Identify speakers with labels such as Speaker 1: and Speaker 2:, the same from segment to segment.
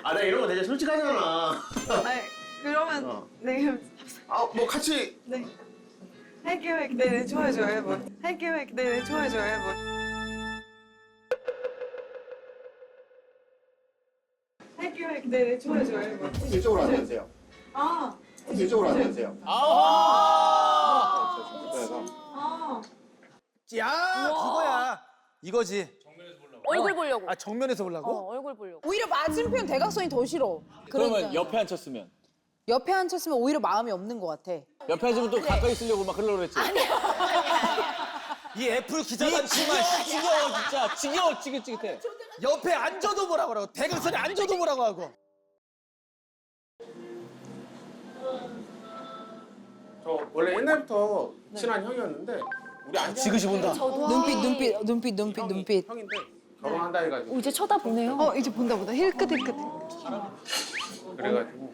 Speaker 1: 아, 나 이런 거 되게 솔직하잖아.
Speaker 2: 아니, 그러면 네.
Speaker 1: 아, 뭐 같이.
Speaker 2: 네. 할게요. 네, 좋아요, 좋아요. 뭐. 할게요. 네, 좋아요, 좋아요. 뭐. 할게요. 네, 좋아요, 좋아요. 뭐.
Speaker 1: 이쪽으로 앉아주세요.
Speaker 2: 아,
Speaker 1: 이쪽으로 앉아주세요.
Speaker 3: 아.
Speaker 1: 그래서.
Speaker 2: 아.
Speaker 3: 야, 그거야. 이거지.
Speaker 4: 얼굴 보려고.
Speaker 3: 아, 정면에서 보려고?
Speaker 4: 얼굴 보려고.
Speaker 5: 오히려 맞은편 대각선이 더 싫어.
Speaker 6: 그러면 옆에 앉혔으면?
Speaker 5: 옆에 앉혔으면 오히려 마음이 없는 것 같아.
Speaker 6: 옆에 앉으면 또 가까이 있으려고 막 그러려고 그랬지?
Speaker 3: 이 애플 기자단 정말
Speaker 6: 지겨워 진짜 지겨워 찌긋찌긋해.
Speaker 3: 옆에 앉아도 뭐라고 하고 대각선에 앉아도 뭐라고 하고.
Speaker 1: 저 원래 옛날부터 친한 형이었는데 우리 안
Speaker 3: 지그시 본다.
Speaker 5: 눈빛.
Speaker 1: 형인데 결혼한다 해가지고
Speaker 4: 이제 쳐다보네요.
Speaker 2: 이제 본다 보다. 힐끗.
Speaker 1: 그래가지고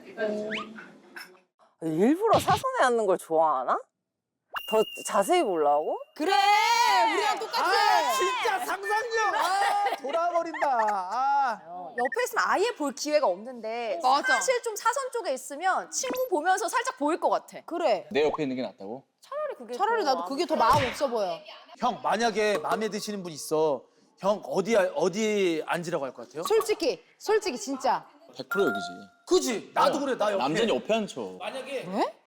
Speaker 7: 일부러 사선에 앉는 걸 좋아하나? 더 자세히 보려고?
Speaker 5: 그래, 우리랑 똑같아.
Speaker 3: 아, 진짜 상상력. 아, 돌아버린다. 아.
Speaker 4: 옆에 있으면 아예 볼 기회가 없는데
Speaker 2: 맞아.
Speaker 4: 사실 좀 사선 쪽에 있으면 친구 보면서 살짝 보일 것 같아.
Speaker 5: 그래.
Speaker 6: 내 옆에 있는 게 낫다고?
Speaker 5: 차라리 나도 그게 더 마음 없어 보여.
Speaker 3: 형, 만약에 마음에 드시는 분 있어. 형 어디 앉으라고 할 것 같아요?
Speaker 5: 솔직히 진짜.
Speaker 6: 100% 여기지.
Speaker 3: 그지? 나도 그래. 나 옆에.
Speaker 6: 남자는 옆에 앉혀.
Speaker 3: 만약에
Speaker 5: 왜?